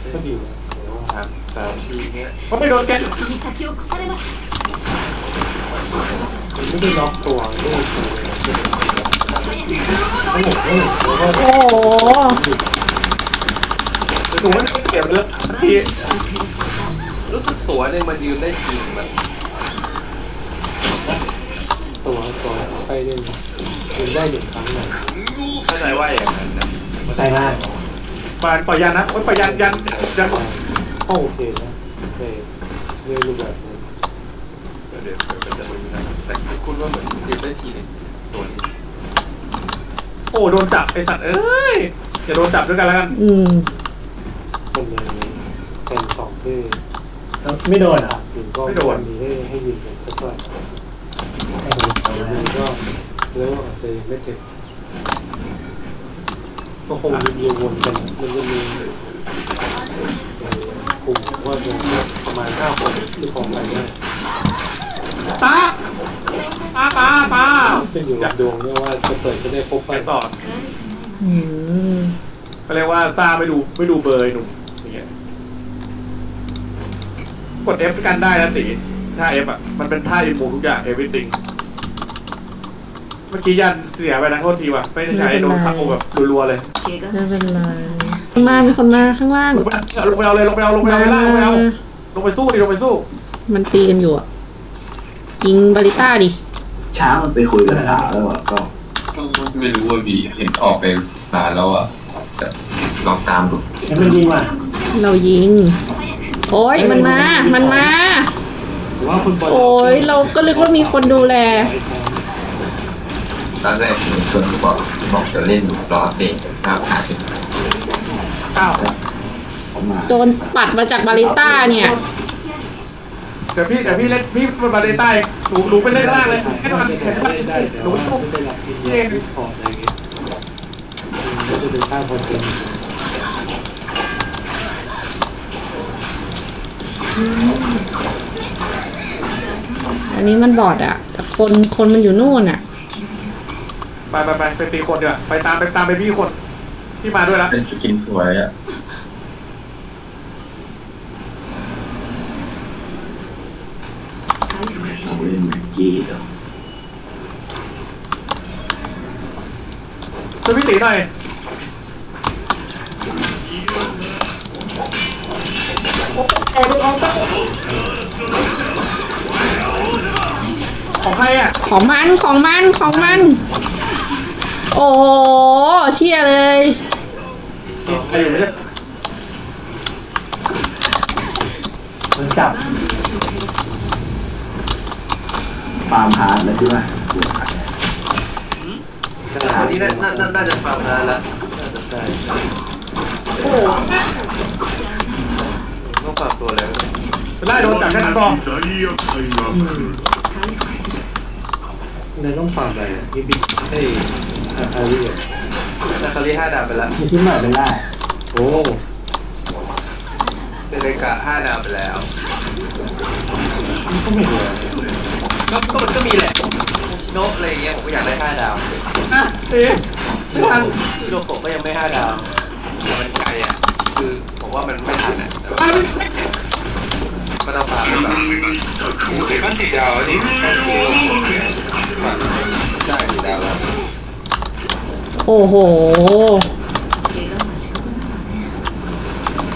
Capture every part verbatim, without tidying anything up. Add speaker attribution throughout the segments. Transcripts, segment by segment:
Speaker 1: ก็ดีนะ
Speaker 2: สามสามทีเนี้ย
Speaker 1: เขาไม่โดนแกน
Speaker 3: 敵に先を越されました。
Speaker 1: มันไม่ได้ล็อกตัวไม่ได้ตัวเลยโอ้โหแล้วก็
Speaker 4: โอ้โห
Speaker 1: หนูไม่ได้เก็บเลยที
Speaker 2: รู้สึกตัวเนี่ยมันยืนได้จริงมัน
Speaker 1: ตัวตัวไปเล่นยืนได้หนึ่งครั้งเลย
Speaker 2: เข้าใจว่าอย่างนั้นนะ
Speaker 1: ใช่ได้ปล่อยปล่อยยันนะโอ้ยปล่อยยันยันยันก็โอเคนะโอเคเรื่อยรูปแบบนี้
Speaker 2: เดี๋ยวเดี๋ยวมันจะมึนนะแต่คุณว่าเหมือนยืนได้ทีนึงตัวนี้
Speaker 1: โอ้โดนจับไอสัตว์เอ้ยอย่าโดนจับด้วยกันแล้วกัน
Speaker 4: อืม
Speaker 1: คนเลยเป็นสองที่
Speaker 5: ไม่โดนอ่ะ
Speaker 1: ยิงก็ไม่โดนมีให้ให้ยิงกันสักหน่อยยิงก็เรื่องอาจจะไม่เก็บก็คงมีเดียววนกันมันจะมีกลุ่มว่าจะประมาณห้าคนที่ของกันได้ตาตาตาตาเป็นอยู่กับดวงเนี่ยว่าจะเปิดจะได้ครบไปต่อ
Speaker 4: อืม
Speaker 1: เขาเรียกว่าซาไม่ดูไม่ดูเบอร์หนุ่มอย่างเงี้ยกด F กันได้นะสิถ้า F อ่ะมันเป็นท่าอินมูทุกอย่าง everything เมื่อกี้ยันเสียไปนะโทษทีว่ะไม่ได้ใช้โดนทักโอแบบรัวๆเลย
Speaker 3: 怪我
Speaker 4: ไม่
Speaker 3: はし
Speaker 4: เป็น
Speaker 3: て
Speaker 4: ไร
Speaker 3: いません。
Speaker 4: มามีคนมาข้างล่าง
Speaker 1: ลงไปลงไปเอาเลยลงไปเอาลงไปเอาลงไปเอาลงไปเอาลงไปสู้ดิลงไปสู้
Speaker 4: มันตีกันอยู่อ่ะยิงบาริต้าดิ
Speaker 5: ช้างมันไปคุยกับสาวแล้วอ่ะก็
Speaker 6: ไม่รู้ว่าบีเห็นออกไปนานแล้วอ่ะแต่ลองตามดู
Speaker 5: ยังไม่ยิงว่ะ
Speaker 4: เรายิง โอ้ยมันมา มันมา
Speaker 1: หรือว่าคุณบอล
Speaker 4: โอ้ยเราก็นึกว่ามีคนดูแล
Speaker 6: ตอนแรกมีคนบอกบอกจะเล่นรอเตะข้าวขาด
Speaker 1: อ้าว
Speaker 5: เขามา
Speaker 4: โดนปัดมาจากบาริต้าเนี่ย
Speaker 1: เดี๋ยวพี่เดี๋ยวพี่เล่นพี่เป็นบาเลใต้หนูหนูไปเล่นล่างเลยให้มันแข็งได้หนูสู้พี่เองขอบอะไรอย่างเงี้ยก็จะเป็นข้างคนเอง
Speaker 4: อันนี้มันบอดอ่ะ แต่คนคนมันอยู่นู่นอ่ะ
Speaker 1: ไปไปไปไปตีคนดีกว่าไปตามไปตามไปพี่คนที่มาด้วยแล้ว
Speaker 6: เป็นสกินสวยอ่ะ
Speaker 5: เขาเล่นแม็กกี้เดี๋ยว
Speaker 1: ช่วยพี่ตีหน่อยของใครอ่ะ
Speaker 4: ของมันของมันของมัน โอ้โหเชี่ยเลย
Speaker 1: ใครอยู่ไม่ใช่
Speaker 5: มันจับฟาร์มฮาร์ดแล้วใช่ไหม
Speaker 2: อันนี้น่าน่าน่าจะฟังนานแล้วน่าจะได้
Speaker 1: โอ้โห
Speaker 2: ต้องฝากตัวแล้ว
Speaker 1: ไล่โดนจับแค่นั้นพอ
Speaker 7: 大厄介が来る。
Speaker 1: เลยต้องฟังอะไรอ่ะพี่บิ๊กเฮ้ยอารีอ่ะ
Speaker 2: นาคาริห้าดาวไปแล้ว
Speaker 5: มีที่ใหม่เป็นได้
Speaker 1: โอ้
Speaker 2: เดเรกะห้าดาวไปแล้ว
Speaker 1: ก็ไม่เหลือ
Speaker 2: ก็ก็มันก็มีแหละโนะอะไรเงี้ยผมก็อยากได้ห้าดาว
Speaker 1: อ่ะเอ๊ะไม่ทัน
Speaker 2: ฮิโรโกะก็ยังไม่ห้าดาวแต่มันไกลอ่ะคือผมว่ามันไม่ทันอ่ะแต่ว่า
Speaker 1: อ่ะ
Speaker 2: ก็ต้องพาไปแบบมันสี่ดาวนี่ได้สี่ดาวแล้ว
Speaker 4: โอ้โห
Speaker 3: 怪我はしとくのはね。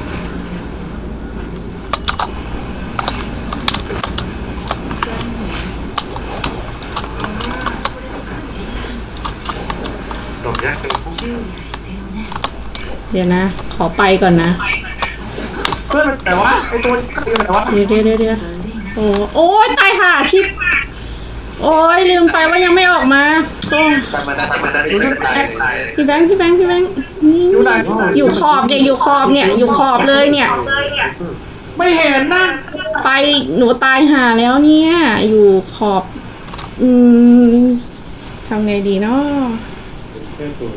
Speaker 1: ดอกแยกเป็น
Speaker 3: 修理が必要ね。
Speaker 4: เดี๋ยวนะ ขอไปก่อนนะ
Speaker 1: เพื่อนมันแต่ว่าไอ้ตัวนี้ก็คือแต่ว่า
Speaker 4: เดี๋ยวเดี๋ยวเดี๋ยวเดี๋ยวโอ้โอ้ยตายห่าชิบ โอ้ยลืมไปว่ายังไม่ออกมาโอ้
Speaker 2: แต่มันแต่มันไม่ใช่ตายเลย
Speaker 4: พี่แบงค์พี่แบงค์พี่แบงค์นี่อยู่ขอบเนี่ยอยู่ขอบเนี่ยอยู่ขอบเลยเนี่ย
Speaker 1: ไม่เห็นนะ
Speaker 4: ไปหนูตายห่าแล้วเนี่ย อยู่ขอบ อืมทำไงดีเนาะ
Speaker 1: แค่ตัว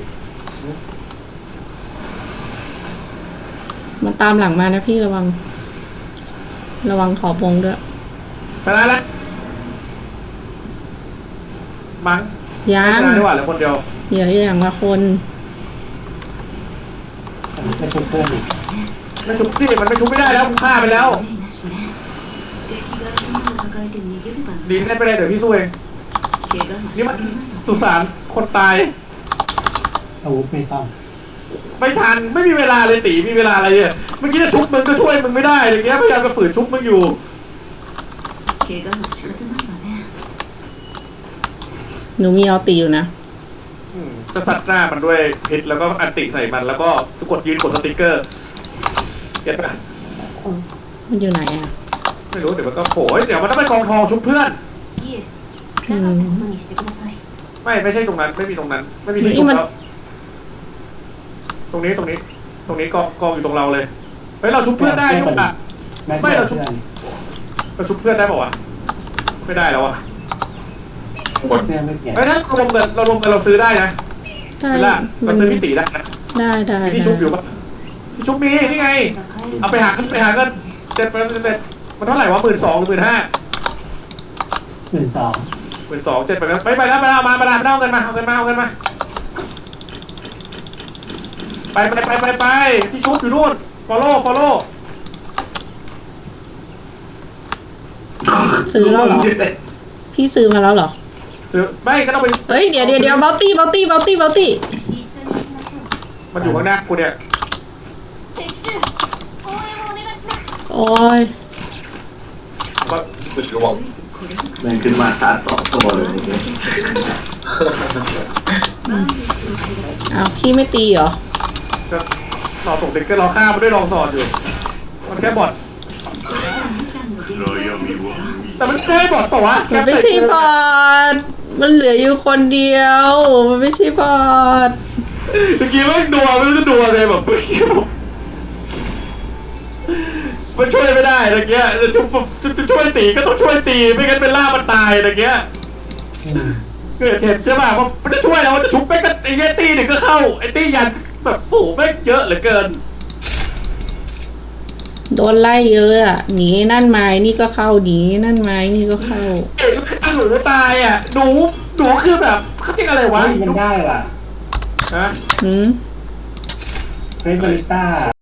Speaker 4: มันตามหลังมานะพี่ระวัง ระวังขอบวงด้วย
Speaker 1: ไปแล้วละมั้ง
Speaker 4: ยัง
Speaker 1: ไม่ได้ดีกว่าเหลือคนเดียว
Speaker 4: เดี๋ยวอย่างละคน
Speaker 5: ไม่ใช่เพื่อนอีก
Speaker 1: ไม่ชุบสิมันไม่ชุบไม่ได้แล้วฆ่าไปแล้ว
Speaker 3: 無理なしね敵が頭を抱えて逃げれば
Speaker 1: ดีได้ไปเลยเดี๋ยวพี่สู้เอง
Speaker 3: 怪我はし
Speaker 1: นี่
Speaker 3: な
Speaker 1: มัน
Speaker 3: い
Speaker 1: สุสานคนตาย
Speaker 5: อาวุธไม่ซ่อม
Speaker 1: ไม่ทันไม่มีเวลาเลยตีมีเวลาอะไรเนี่ยเมื่อกี้จะชุบมึงก็ช่วยมึงไม่ได้อะไรเงี้ยพยายามจะฝืนชุบมึงอยู่
Speaker 3: 怪我は仕方ないわね
Speaker 4: หนูมีเอาตีอยู่นะ
Speaker 1: อืมจะสัดหน้ามันด้วยพิษแล้วก็อันติใส่มันแล้วก็กดยืนกดสติ๊กเกอร์เก็ตปะ
Speaker 4: มันอยู่ไหนอ่ะ
Speaker 1: ไม่รู้เดี๋ยวมันก็โผล่เดี๋ยวมันต้องไปกองทองชุบเพื่อน
Speaker 3: いえなかったことにしてください
Speaker 1: ไม่ไม่ใช่ตรงนั้นไม่มีตรงนั้น ไม่มีที่ชุบแล้วตรงนี้ตรงนี้ ตรงนี้กองกองอยู่ตรงเราเลยเฮ้ยเราชุบเพื่อนได้ทุกอ่ะ ไม่เราชุบเราชุบเพื่อนได้ป่าวะไม่ได้แล้วอ่ะ
Speaker 6: หมด
Speaker 5: เพื่อนไม่เปลี่ยน
Speaker 1: เฮ้ยถ้าเรารวมกันเรารวมกันเราซื้อได้นะ
Speaker 4: ได้
Speaker 1: เวลา
Speaker 4: มั
Speaker 1: เรา
Speaker 4: น
Speaker 1: ซื้อพิติได้นะ
Speaker 4: ได้ได้
Speaker 1: มีที่
Speaker 4: ได้
Speaker 1: ชุบอยู่ปะที่ชุบมีนี่ไง เอาไปหาเงินไปหาเงินเจ็ดเป็นเป็นมันเท่าไหร่วะหมื่นสองหรือหมื่นห้า
Speaker 5: หมื่นสอง
Speaker 1: หมื่นสองเจ็ดไปแล้วไปไปแล้วไปแล้วมาไปแล้วเอาเงินมาเอาเงินมาเอาเงินมาไปไปไปไปไปที่ชุบอยู่นู่น follow follow
Speaker 4: ซื้อแล้วเหรอ พี่ซื้อมาแล้วเหรอ
Speaker 1: คือไม่ก็ต้องไป
Speaker 4: เฮ้ย เดี๋ยวเดี๋ยวเดี๋ยวเบลตี้เบลตี้เบลตี้เบลตี้
Speaker 1: มันอยู่ข้างหน้ากูเนี่ย
Speaker 3: 敵襲応援をお願いします
Speaker 4: โอ้ย
Speaker 1: มัน
Speaker 6: คือระวัง
Speaker 5: แม่งขึ้นมาชาร์จสองตัวเลยเมื่อกี้
Speaker 4: อ้าวพี่ไม่ตีเหรอ
Speaker 1: ก็รอส่งเด็กก็รอฆ่ามันด้วยรองสอดอยู่ มันแค่บอท
Speaker 7: 暗闇は
Speaker 1: แต่มันแค่บอทเปล่าวะ
Speaker 4: มันไม่ใช่บอทมันเหลืออยู่คนเดียว มันไม่ใช่บอท
Speaker 1: เมื่อกี้ไม่ดัวไม่รู้จะดัวเลยแบบเมื่อกี้แบบมันช่วยไม่ได้ตะเกียจะช่วยจะช่วยตีก็ต้องช่วยตีไม่งั้นเป็นล่ามันตายตะเกียเกิดเห็นใช่ป่ะว่ามันจะช่วยเราจะชุบไปก็ไอ้เงี้ยตีหนึ่งก็เข้าไอ้ตียันแบบโอ้โหแม่งเยอะเหลือเกิน
Speaker 4: โดนไล่เยอะอ่ะ หนีนั่นไม้นี่ก็เข้า หนีนั่นไม้นี่ก็เข้า
Speaker 1: เอ็งหนูตายอ่ะหนูหนูคือแบบเขาเรียกอะไรวะ
Speaker 5: มันได้ว่ะ
Speaker 1: ฮะ
Speaker 4: หืม
Speaker 5: เฟรนบาริสต้า